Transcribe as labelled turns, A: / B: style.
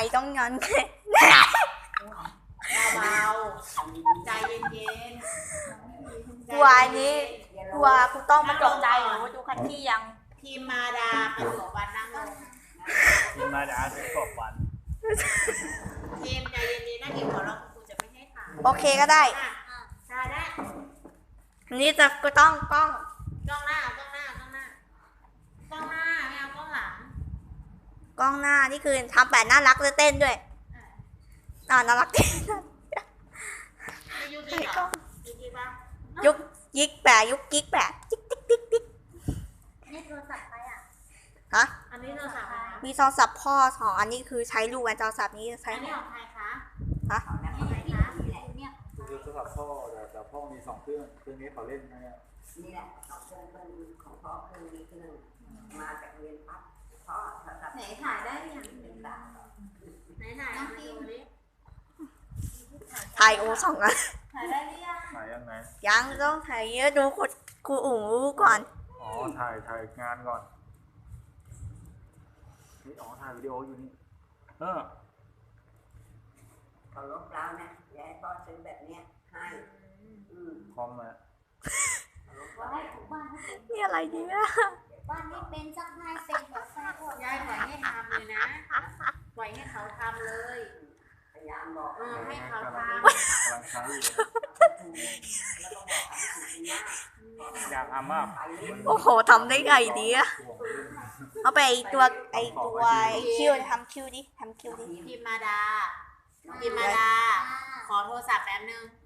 A: ต้องงั้น
B: เบาๆใจเย็นๆ
A: กลัวอันนี้กลัวกูต้องมาตกใจหนูดูคันที่ยัง
B: ทีมมาดาประสบวันนั่งลง
C: ทีมมาดาเป็นกบวัน
B: ทีมใจเย็นๆนะทีมขอร้องครูจะไม่ให้ถ่าย
A: โอเคก็ได้
B: ถ่ายได้
A: อันนี้จะก็ต้องกล้อง
B: กล้องหน้ากล้องหน้ากล้องหน้ากล้องหน้าไม่เอากล้องหลัง
A: กล้องหน้านี่คือทำแบบน่ารักจะเต้นด้วยน่ารักเต้น
B: ไม่ยุติหรอยุติปะ
A: ยุกยิกแปะยุกกิ๊กแปะจิ๊กติ๊กติ๊กติ๊ก
B: นี่โทรศัพท์ใครอ่ะ
A: ฮะ
B: อันนี้โทรศัพท์ใครคะ
A: มีโทรศัพท์พ่อ2อันนี้คือใช้ลูกกันโทรศัพท์นี้ใช้
B: อันนี้ของใครคะ
A: ฮะ
B: ของใครคะเนี่ย
C: คือโทรศัพท์พ่อแต่พ่อมี2 เครื่องนี้เขาเล่นนะเนี่ย
D: นี่แหละ2 เครื่องของพ่อเครื่องนี้เครื่องมาจากเรียนปั๊บพ่อโทรศัพท์
B: ไหนถ่ายได้ยังไหนถ่ายน้องพิม
A: ถ่ายโอ2อัน
B: ถ่ายได้หรือยัง
C: ถ่ายยังไง
A: ยังต้องถ่ายเยอะดูครูอุ๋งรู้ก่อน
C: อ๋อถ่ายงานก่อนนี่อ๋อถ่ายวิดีโออยู่นี่
D: เขาลบแล้วนะยายพ่อซื้อแบบเนี้ยให้
C: คอมมา
B: ว่าให้ทุกบ้าน
A: นี่อะไรเนี่ย
B: บ้านนี้เป็นสักให้เป็นแบบให้พวกยายปล่อยให้ทำเลยนะปล่อยให้เขาทำเลย
D: พยายามบอก
B: ให้เขาท
C: กำลังใช้อยู่
D: แล้วก็บอกให้ถูกนะ
C: อยากทำมาก
A: โอ้โหทำได้ไงดีอะเอาไปไอตัวไอคิวทำคิวดิ
B: ำพิมมาดาขอโทรศัพท์แป๊บนึง